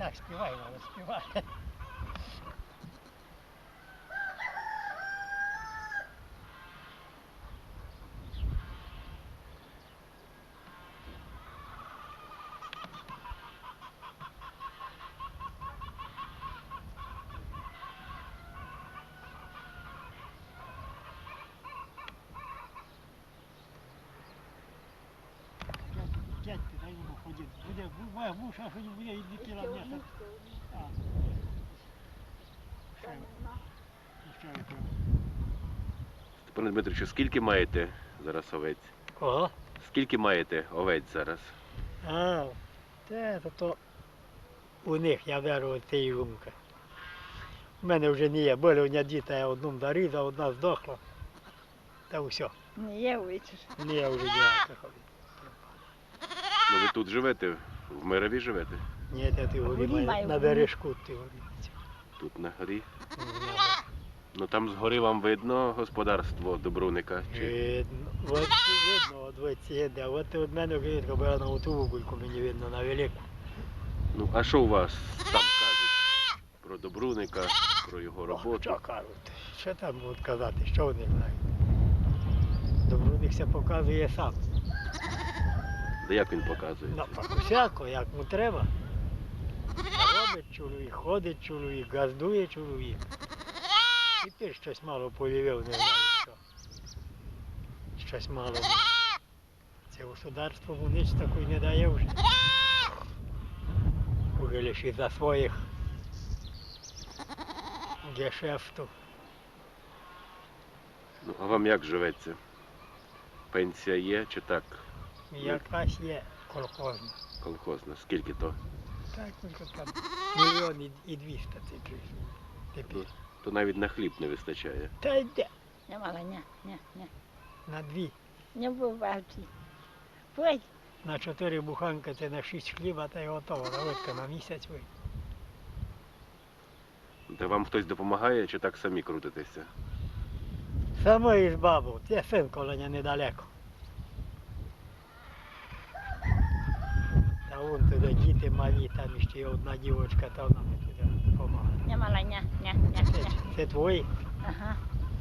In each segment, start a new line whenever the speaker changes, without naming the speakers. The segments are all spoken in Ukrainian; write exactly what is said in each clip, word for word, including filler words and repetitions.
Так, співай, мало, співай. Дядьки, дай йому ходити. Буде, моя муша, що не буде, і не кіла м'яса. А. Ще, ще випив.
Степане Дмитровичу, скільки маєте зараз овець?
Кого?
Скільки маєте овець зараз?
А, те, то, то у них я беру от цієї гумки. У мене вже не є. Були у мене діти, я одну дорізав, одна здохла. Та все.
Не є вичиш.
Не є вже ніяких.
Ну ви тут живете, в Мирові живете?
Ні, та ти горі
Горі
має,
маю,
на
горі.
бережку ти горі.
Тут на горі.
Ну,
Ну там згори вам видно господарство Добруника? Чи...
видно, от видно, от ви ці де, от від мене клітка була на оту вугульку, мені видно, на велику.
Ну а що у вас там кажуть про Добруника, про його
О,
роботу?
що кажуть? Що там будуть казати, що вони знають? Добруник все показує сам.
Да як він показує?
Ну, так усяко, як му треба. Робить чоловік, ходить чоловік, газдує чоловік. І ти щось мало повівив, не знаю що. Щось мало. Це государство му ніч такої не дає вже. Уже лише із-за своїх гешефтів.
Ну а вам як живеться? Пенсія є чи так?
Якась є колхозна.
Колхозна? Скільки то?
Так, тільки там мільйон і- і двісті тепер. Тепер.
То навіть на хліб не вистачає.
Та йде
Не мала, ні, ні, ні.
на дві.
Не буває. Пой,
На чотири буханки це на шість хліба, та й готово. Давидка на місяць вийде.
Та вам хтось допомагає чи так самі крутитеся?
Саме із бабу, це син колоня недалеко. Та вон туди діти малі, там ще є одна дівчинка, та вона мені туди допомагає.
не мала, ні, ні, ні,
Це,
ні.
це твої?
Ага.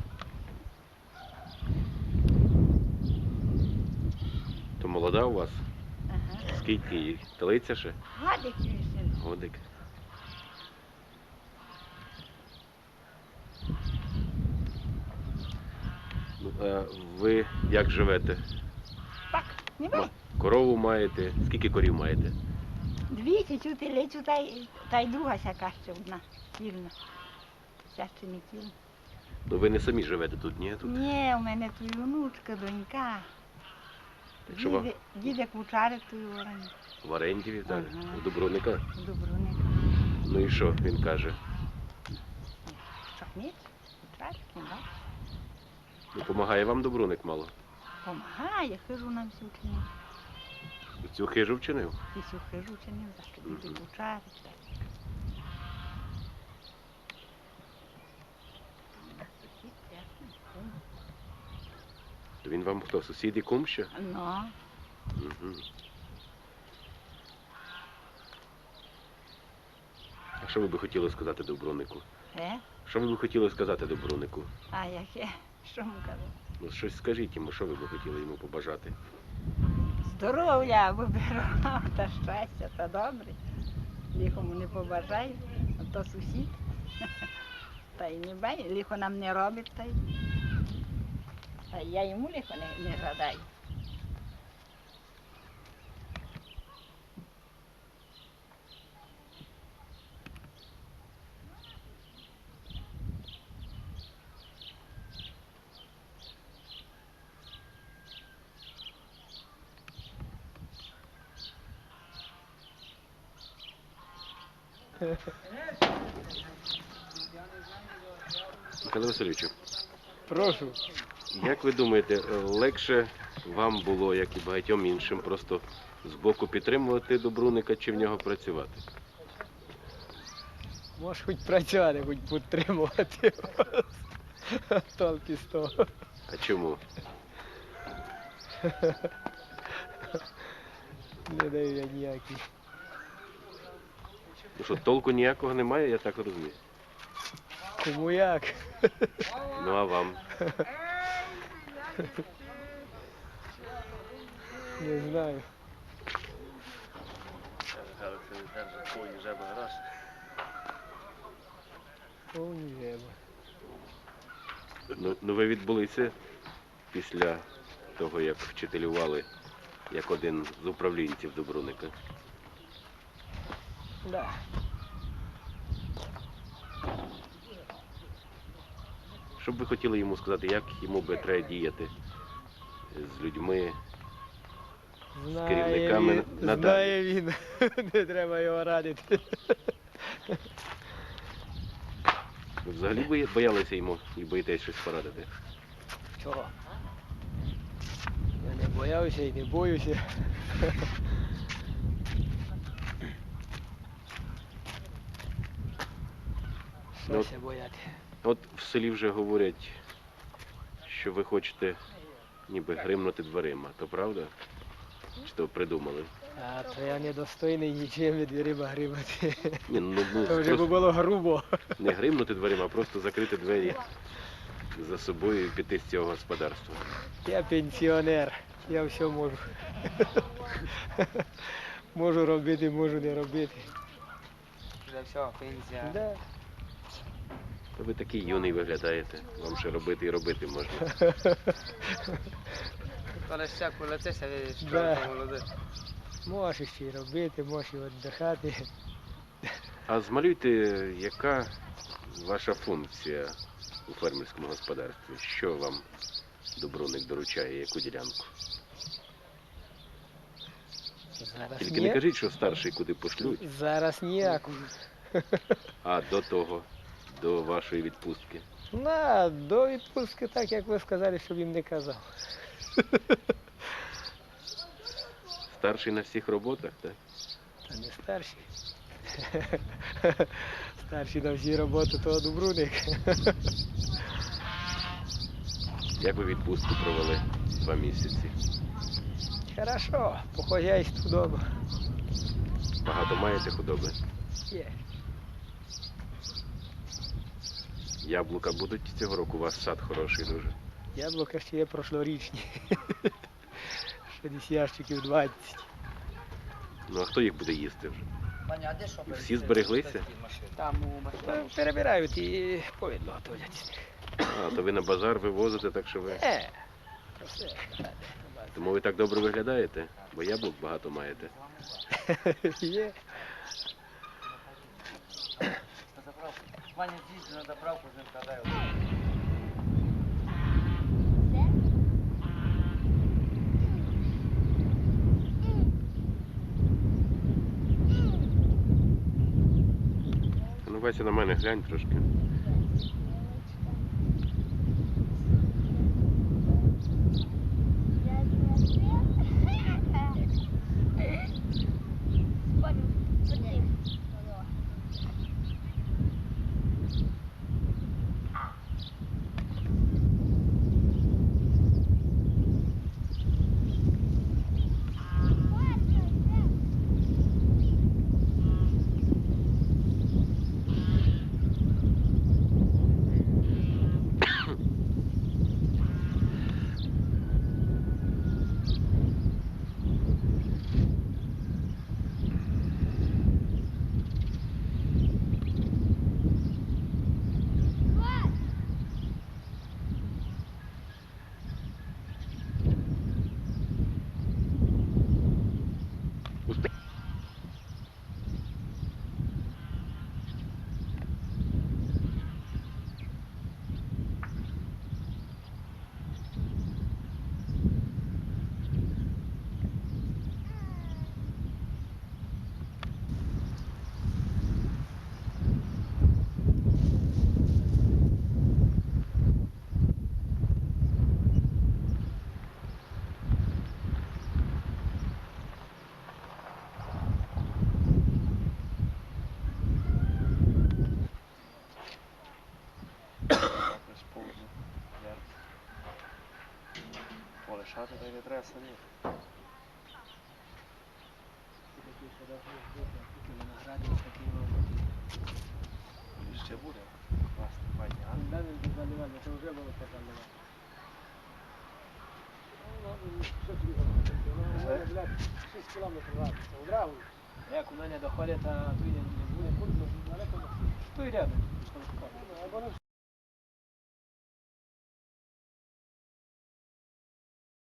То молода у вас?
Ага.
Скільки їй? Телиця ще?
Гадик син.
Годик. Ну, а ви як живете?
Так, не
Ма-
бай.
Корову маєте? Скільки корів маєте?
Дві цю телецю, та й, та й друга сяка ще одна. Вільна. Ця ще не тіла.
Ну ви не самі живете тут, ні? Тут?
Ні, у мене тут внучка, донька.
Якщо вам
Діде- Дідек вучарик тут в Орані.
в оренді віддали?
Ага.
У Добруника?
Добруник.
Ну і що він каже?
Що, ні? Вучарик, не бачиш?
Ну, помагає вам Добруник мало?
Помагає, хижу нам всю вчинив.
І цю хижу вчинив?
І всю хижу вчинив, за що
Мгм.
дідек вучарик. так. Сусід, ясно, кум.
То він вам хто? Сусід і кум ще?
Ну,
Угу. А що ви би хотіли сказати Добрунику?
е?
Що ви би хотіли сказати Добрунику?
А яке? Що му казати?
Ну щось скажіть йому, що ви би хотіли йому побажати?
Здоров'я, вибирав та щастя, та добре. Ліхому не побажаю, а то сусід. Та й не бай, ліхо нам не робить, та й. Та й я йому ліхо не, не жадаю.
Михайло Васильовичу,
Прошу.
як ви думаєте, легше вам було, як і багатьом іншим, просто збоку підтримувати Добруника чи в нього працювати?
Можеш хоч працювати, хоч підтримувати. Толки з того.
А чому?
Не даю я ніякий.
Ну що, толку ніякого немає, я так розумію.
Кому як?
Ну а вам?
Не знаю. Повні жеба.
Ну, ну ви відбулися після того, як вчителювали як один з управлінців Добруника.
Да.
Що б ви хотіли йому сказати, як йому би треба діяти з людьми, з керівниками
він,
надалі?
знає він. Не треба його радити.
Ви взагалі бої- боялися йому і боїтесь щось порадити?
Чого? Я не боявся і не боюся.
Ну,
Що ся бояти?
От в селі вже говорять, що ви хочете ніби гримнути дверима, то правда? Чи то придумали?
А то я недостойний нічим від дверима гримати.
Ні, ну, ну
То вже б
просто
було грубо.
не гримнути дверима, а просто закрити двері за собою і піти з цього господарства.
Я пенсіонер, я все можу. Можу робити, можу не робити.
Вже все, пенсія.
Да.
Та ви такий юний виглядаєте, вам ще робити і робити можна.
Але ще коли це ся
Да.
шкода молоде.
Можеш ще й робити, можеш і віддихати.
А змалюйте, яка ваша функція у фермерському господарстві? Що вам Добруник доручає, яку ділянку?
Зараз
Тільки
ні.
не кажіть, що старший куди пошлють,
Зараз ніяку.
а до того, до вашої відпустки.
На, до відпустки так, як ви сказали, щоб їм не казав.
Старший на всіх роботах, так?
Та не старші. Старші на всі роботи, то Добруник.
Як ви відпустку провели два місяці?
Хорошо, по хозяйству дома.
Багато маєте худоби?
Є.
Яблука будуть цього року? У вас сад хороший дуже.
Яблука ще є прошлорічні. Ще десь ящиків двадцять.
Ну а хто їх буде їсти вже?
Пані, а де що?
І всі збереглися?
Там у машині.
Ну, перебирають і повідло готовлять з них.
А, то ви на базар вивозите, так що ви.
Е, то все.
Тому ви так добре виглядаєте, бо яблук багато маєте.
Є.
Пані, з'їздить на заправку, з ним катаю.
Ну, Вася, на мене глянь трошки.
Полишати, та й не треба самі. раді такий роботі. І ще буде. Класно, файні, а?
Де він заливання? Це вже було заливання. Що тобі говорити? шість кілометрів раз. Одразу. Як у мене доходить, а тут не буде. Тут рядом. Або